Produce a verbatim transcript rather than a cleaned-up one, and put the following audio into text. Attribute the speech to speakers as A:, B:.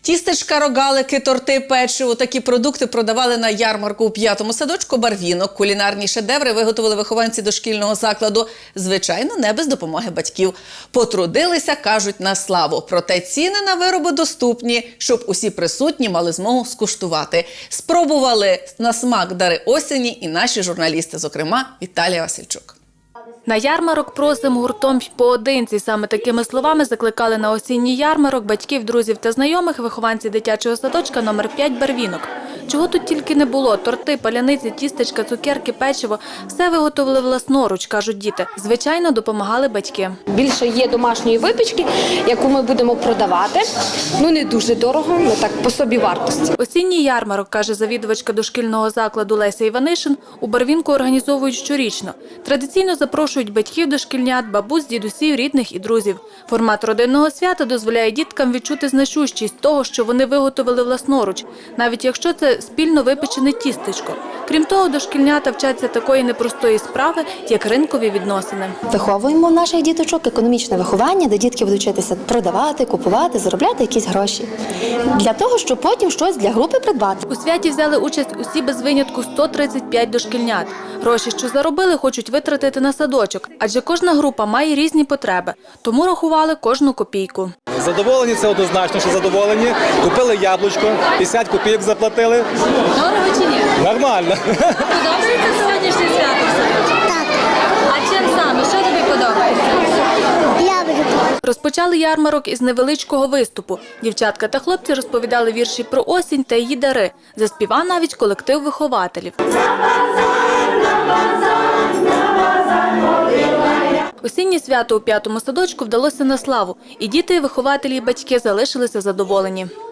A: Тістечка, рогалики, торти, печиво – такі продукти продавали на ярмарку у п'ятому садочку «Барвінок». Кулінарні шедеври виготовили вихованці дошкільного закладу. Звичайно, не без допомоги батьків. Потрудилися, кажуть, на славу. Проте ціни на вироби доступні, щоб усі присутні мали змогу скуштувати. Спробували на смак дари осені і наші журналісти, зокрема Віталія Васильчук.
B: На ярмарок просимо гуртом й поодинці. Саме такими словами закликали на осінній ярмарок батьків, друзів та знайомих вихованці дитячого садочка номер п'ять «Барвінок». Чого тут тільки не було – торти, паляниці, тістечка, цукерки, печиво – все виготовили власноруч, кажуть діти. Звичайно, допомагали батьки.
C: Більше є домашньої випічки, яку ми будемо продавати. Ну, не дуже дорого, але так по собі вартості.
B: Осінній ярмарок, каже завідувачка дошкільного закладу Леся Іванишин, у Барвінку організовують щорічно. Традиційно запрошують батьків дошкільнят, бабусь, дідусів, рідних і друзів. Формат родинного свята дозволяє діткам відчути значущість того, що вони виготовили власноруч, навіть якщо це спільно випечене тістечко. Крім того, дошкільнята вчаться такої непростої справи, як ринкові відносини.
D: Виховуємо наших діточок економічне виховання, де дітки будуть вчитися продавати, купувати, заробляти якісь гроші. Для того, щоб потім щось для групи придбати.
B: У святі взяли участь усі без винятку сто тридцять п'ять дошкільнят. Гроші, що заробили, хочуть витратити на садочок, адже кожна група має різні потреби, тому рахували кожну копійку.
E: Задоволені – це однозначно, що задоволені. Купили яблучко, п'ятдесят копійок заплатили.
B: Дорого чи ні?
E: Нормально.
B: Подобається сьогоднішнє свято? Так. А чим саме? Що тобі подобається? Розпочали ярмарок із невеличкого виступу. Дівчатка та хлопці розповідали вірші про осінь та її дари. Заспівав навіть колектив вихователів. Осіннє свято у п'ятому садочку вдалося на славу. І діти, і вихователі, і батьки залишилися задоволені.